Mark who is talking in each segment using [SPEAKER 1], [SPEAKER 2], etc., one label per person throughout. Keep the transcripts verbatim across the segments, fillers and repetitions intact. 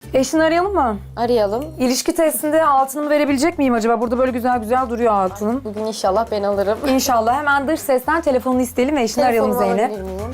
[SPEAKER 1] Eşini arayalım mı?
[SPEAKER 2] Arayalım.
[SPEAKER 1] İlişki testinde altınımı verebilecek miyim acaba? Burada böyle güzel güzel duruyor altın.
[SPEAKER 2] Bugün inşallah ben alırım.
[SPEAKER 1] İnşallah. Hemen dış sesten telefonunu isteyelim ve eşini arayalım
[SPEAKER 2] Telefonumu
[SPEAKER 1] Zeynep.
[SPEAKER 2] alabilir miyim?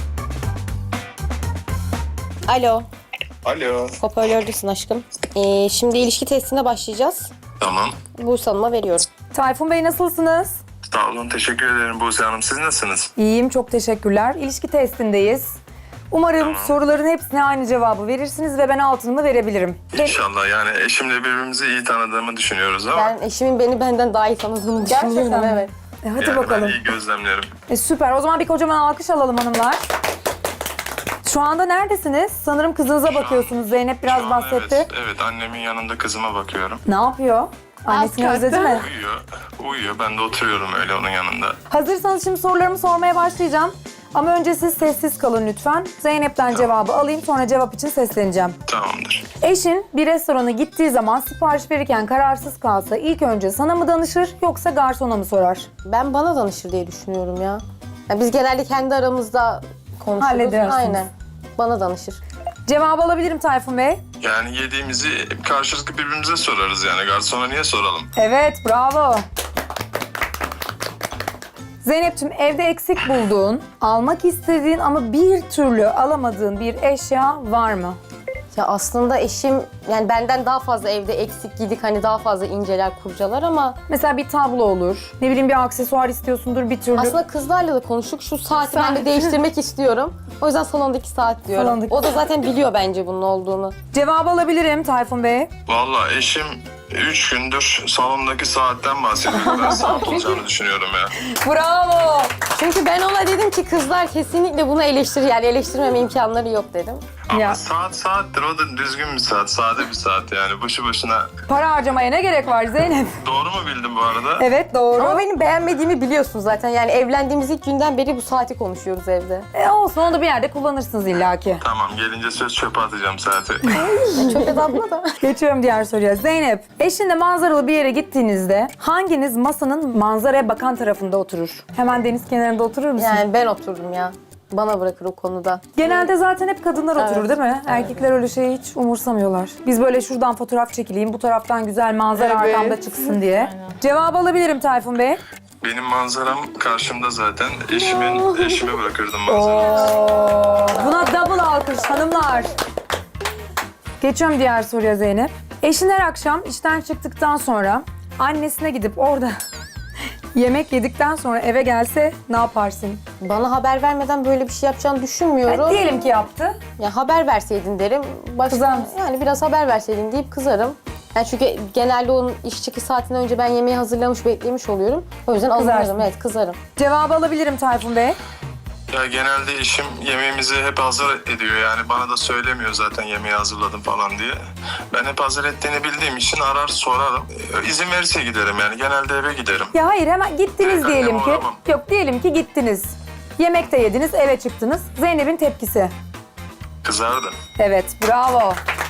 [SPEAKER 2] Alo,
[SPEAKER 3] Alo.
[SPEAKER 2] hoparlördüsün aşkım. Ee, şimdi ilişki testine başlayacağız.
[SPEAKER 3] Tamam.
[SPEAKER 2] Buse Hanım'a veriyorum.
[SPEAKER 1] Tayfun Bey nasılsınız?
[SPEAKER 3] Sağ olun. Teşekkür ederim Buse Hanım. Siz nasılsınız?
[SPEAKER 1] İyiyim, çok teşekkürler. İlişki testindeyiz. Umarım soruların hepsine aynı cevabı verirsiniz ve ben altınımı verebilirim.
[SPEAKER 3] İnşallah. Yani eşimle birbirimizi iyi tanıdığımı düşünüyoruz ama
[SPEAKER 2] Ben eşimin beni benden daha iyi tanıdığını düşünüyorum.
[SPEAKER 1] Gerçekten mi?
[SPEAKER 2] Evet.
[SPEAKER 1] E, hadi
[SPEAKER 3] yani
[SPEAKER 1] bakalım.
[SPEAKER 3] ben iyi gözlemlerim.
[SPEAKER 1] E, süper. O zaman bir kocaman alkış alalım hanımlar. Şu anda neredesiniz? Sanırım kızınıza bakıyorsunuz. Zeynep biraz
[SPEAKER 3] Şu an
[SPEAKER 1] bahsetti.
[SPEAKER 3] Evet, evet, annemin yanında kızıma bakıyorum.
[SPEAKER 1] Ne yapıyor? Annesini özledi mi?
[SPEAKER 3] Uyuyor. Uyuyor. Ben de oturuyorum öyle onun yanında.
[SPEAKER 1] Hazırsanız şimdi sorularımı sormaya başlayacağım. Ama önce siz sessiz kalın lütfen. Zeynep'ten cevabı alayım, sonra cevap için sesleneceğim.
[SPEAKER 3] Tamamdır.
[SPEAKER 1] Eşin bir restorana gittiği zaman sipariş verirken kararsız kalsa ilk önce sana mı danışır yoksa garsona mı sorar?
[SPEAKER 2] Ben bana danışır diye düşünüyorum ya. Ya biz genelde kendi aramızda konuşuruz.
[SPEAKER 1] Halledersiniz.
[SPEAKER 2] Aynen. Bana danışır.
[SPEAKER 1] Cevabı alabilirim Tayfun Bey.
[SPEAKER 3] Yani yediğimizi karşılıklı birbirimize sorarız yani. Garsona niye soralım?
[SPEAKER 1] Evet, bravo. Zeynep'ciğim, evde eksik bulduğun, almak istediğin ama bir türlü alamadığın bir eşya var mı?
[SPEAKER 2] Ya aslında eşim yani benden daha fazla evde eksik gidik hani daha fazla inceler kurcalar ama
[SPEAKER 1] Mesela bir tablo olur, ne bileyim bir aksesuar istiyorsundur bir türlü.
[SPEAKER 2] aslında kızlarla da konuştuk. Şu saati ben de değiştirmek istiyorum. O yüzden salondaki saat diyorum.
[SPEAKER 1] Salondaki
[SPEAKER 2] O da zaten biliyor bence bunun olduğunu.
[SPEAKER 1] Cevabı alabilirim Tayfun Bey.
[SPEAKER 3] Vallahi eşim üç gündür salondaki saatten bahsediyor. Ben saat olacağını düşünüyorum ya.
[SPEAKER 1] Bravo.
[SPEAKER 2] Çünkü ben ona dedim ki kızlar kesinlikle bunu eleştirir yani eleştirmeme imkanları yok dedim.
[SPEAKER 3] Ama
[SPEAKER 1] Ya.
[SPEAKER 3] saat saattir. O da düzgün bir saat. Sade bir saat yani. Boşu boşuna.
[SPEAKER 1] Para harcamaya ne gerek var Zeynep?
[SPEAKER 3] Doğru mu bildim bu arada?
[SPEAKER 1] Evet, doğru.
[SPEAKER 2] Ama benim beğenmediğimi biliyorsun zaten. Yani evlendiğimiz ilk günden beri bu saati konuşuyoruz evde.
[SPEAKER 1] E olsun, onu da bir yerde kullanırsınız illaki.
[SPEAKER 3] Tamam, gelince söz çöpe atacağım saati.
[SPEAKER 2] Çok da abla da.
[SPEAKER 1] Geçiyorum diğer soruya. Zeynep, eşinle manzaralı bir yere gittiğinizde hanginiz masanın manzaraya bakan tarafında oturur? Hemen deniz kenarında oturur musun?
[SPEAKER 2] Yani ben oturdum ya. Bana bırakır o konuda.
[SPEAKER 1] Genelde zaten hep kadınlar oturur
[SPEAKER 2] Evet.
[SPEAKER 1] değil mi? Erkekler öyle şeyi hiç umursamıyorlar. Biz böyle şuradan fotoğraf çekileyim, bu taraftan güzel manzara arkamda çıksın diye. Cevabı alabilirim Tayfun Bey.
[SPEAKER 3] Benim manzaram karşımda zaten. Eşimin, eşime bırakırdım manzaramı.
[SPEAKER 1] Oo, buna double alkış hanımlar. Geçiyorum diğer soruya Zeynep. Eşin her akşam işten çıktıktan sonra annesine gidip orada yemek yedikten sonra eve gelse ne yaparsın?
[SPEAKER 2] Bana haber vermeden böyle bir şey yapacağını düşünmüyorum.
[SPEAKER 1] Yani diyelim ki yaptı.
[SPEAKER 2] Ya haber verseydin derim. Başka,
[SPEAKER 1] Kızar mısın?
[SPEAKER 2] Yani biraz haber verseydin deyip kızarım. Yani çünkü genelde onun iş çıkış saatinden önce ben yemeği hazırlamış, beklemiş oluyorum. O yüzden
[SPEAKER 1] Kızarsın.
[SPEAKER 2] alınırım. Evet, kızarım.
[SPEAKER 1] Cevabı alabilirim Tayfun Bey.
[SPEAKER 3] Ya genelde eşim yemeğimizi hep hazır ediyor yani. Bana da söylemiyor zaten yemeği hazırladım falan diye. Ben hep hazır ettiğini bildiğim için arar sorarım. Ee, İzin verirse giderim yani. Genelde eve giderim.
[SPEAKER 1] Ya hayır, hemen gittiniz
[SPEAKER 3] Evet,
[SPEAKER 1] diyelim
[SPEAKER 3] annem
[SPEAKER 1] ki.
[SPEAKER 3] aramam.
[SPEAKER 1] Yok, diyelim ki gittiniz. Yemek de yediniz, eve çıktınız. Zeynep'in tepkisi.
[SPEAKER 3] Kızardım.
[SPEAKER 1] Evet, bravo.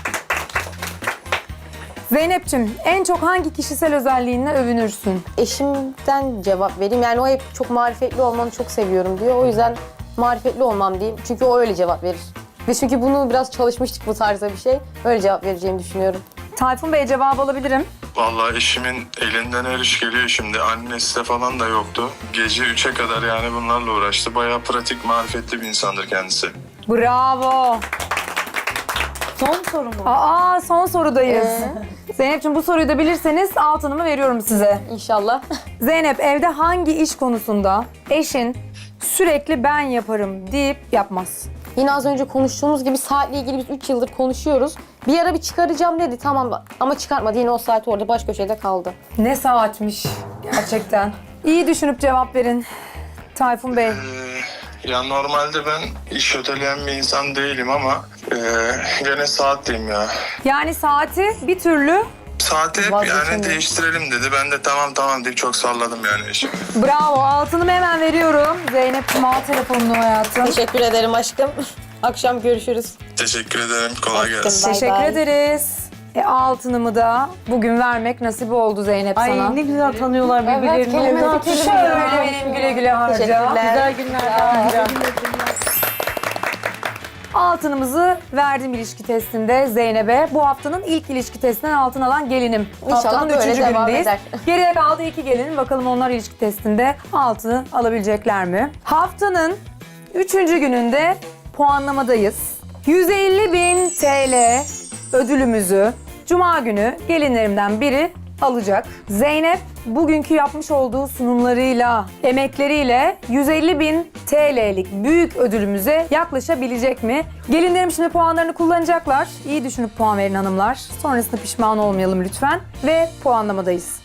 [SPEAKER 1] Zeynep'ciğim, en çok hangi kişisel özelliğinle övünürsün?
[SPEAKER 2] Eşimden cevap vereyim. Yani o hep çok marifetli olmanı çok seviyorum diyor. O yüzden marifetli olmam diyeyim. Çünkü o öyle cevap verir. Ve çünkü bunu biraz çalışmıştık bu tarzda bir şey. Öyle cevap vereceğimi düşünüyorum.
[SPEAKER 1] Tayfun Bey, cevabı alabilirim.
[SPEAKER 3] Vallahi eşimin elinden her iş geliyor şimdi. Annesi de falan da yoktu. Gece üçe kadar yani bunlarla uğraştı. Bayağı pratik, marifetli bir insandır kendisi.
[SPEAKER 1] Bravo.
[SPEAKER 4] Son soru mu?
[SPEAKER 1] Aa, son sorudayız. Zeynep'ciğim, bu soruyu da bilirseniz altınımı veriyorum size.
[SPEAKER 2] İnşallah.
[SPEAKER 1] Zeynep, evde hangi iş konusunda eşin sürekli ben yaparım deyip yapmaz?
[SPEAKER 2] Yine az önce konuştuğumuz gibi saatle ilgili biz üç yıldır konuşuyoruz. Bir ara bir çıkaracağım dedi tamam ama çıkartmadı. Yine o saat orada baş köşede kaldı.
[SPEAKER 1] Ne saatmiş gerçekten. İyi düşünüp cevap verin Tayfun Bey.
[SPEAKER 3] Ee, ya normalde ben iş öteleyen bir insan değilim ama e, gene saat diyeyim ya.
[SPEAKER 1] Yani saati bir türlü
[SPEAKER 3] Saati hep yani
[SPEAKER 2] Vazgeçemiyorum.
[SPEAKER 3] değiştirelim dedi. Ben de tamam tamam deyip çok salladım yani eşim.
[SPEAKER 1] bravo, altınımı hemen veriyorum. Zeynep'ciğim, al telefonunu hayatım.
[SPEAKER 2] Teşekkür ederim aşkım. Akşam görüşürüz.
[SPEAKER 3] Teşekkür ederim. Kolay
[SPEAKER 2] Öptüm.
[SPEAKER 3] gelsin.
[SPEAKER 2] Bay
[SPEAKER 1] Teşekkür
[SPEAKER 2] bay.
[SPEAKER 1] ederiz. E, altınımı da bugün vermek nasip oldu Zeynep
[SPEAKER 4] Ay
[SPEAKER 1] sana.
[SPEAKER 4] ne güzel tanıyorlar birbirlerini.
[SPEAKER 2] kelime
[SPEAKER 4] Ne
[SPEAKER 2] kelime.
[SPEAKER 4] yapıyorlar?
[SPEAKER 1] Şöyle benim güle güle harca.
[SPEAKER 2] Teşekkürler.
[SPEAKER 4] Güzel günler.
[SPEAKER 1] Altınımızı verdim ilişki testinde Zeynep'e. Bu haftanın ilk ilişki testinden altın alan gelinim.
[SPEAKER 2] İnşallah
[SPEAKER 1] Haftanın
[SPEAKER 2] böyle
[SPEAKER 1] üçüncü
[SPEAKER 2] devam
[SPEAKER 1] günündeyiz.
[SPEAKER 2] eder.
[SPEAKER 1] Geriye kaldı iki gelin. Bakalım onlar ilişki testinde altını alabilecekler mi? Haftanın üçüncü gününde puanlamadayız. yüz elli bin T L ödülümüzü Cuma günü gelinlerimden biri alacak. Zeynep bugünkü yapmış olduğu sunumlarıyla, emekleriyle yüz elli bin T L'lik büyük ödülümüze yaklaşabilecek mi? Gelinlerim şimdi puanlarını kullanacaklar. İyi düşünüp puan verin hanımlar. Sonrasında pişman olmayalım lütfen. Ve puanlamadayız.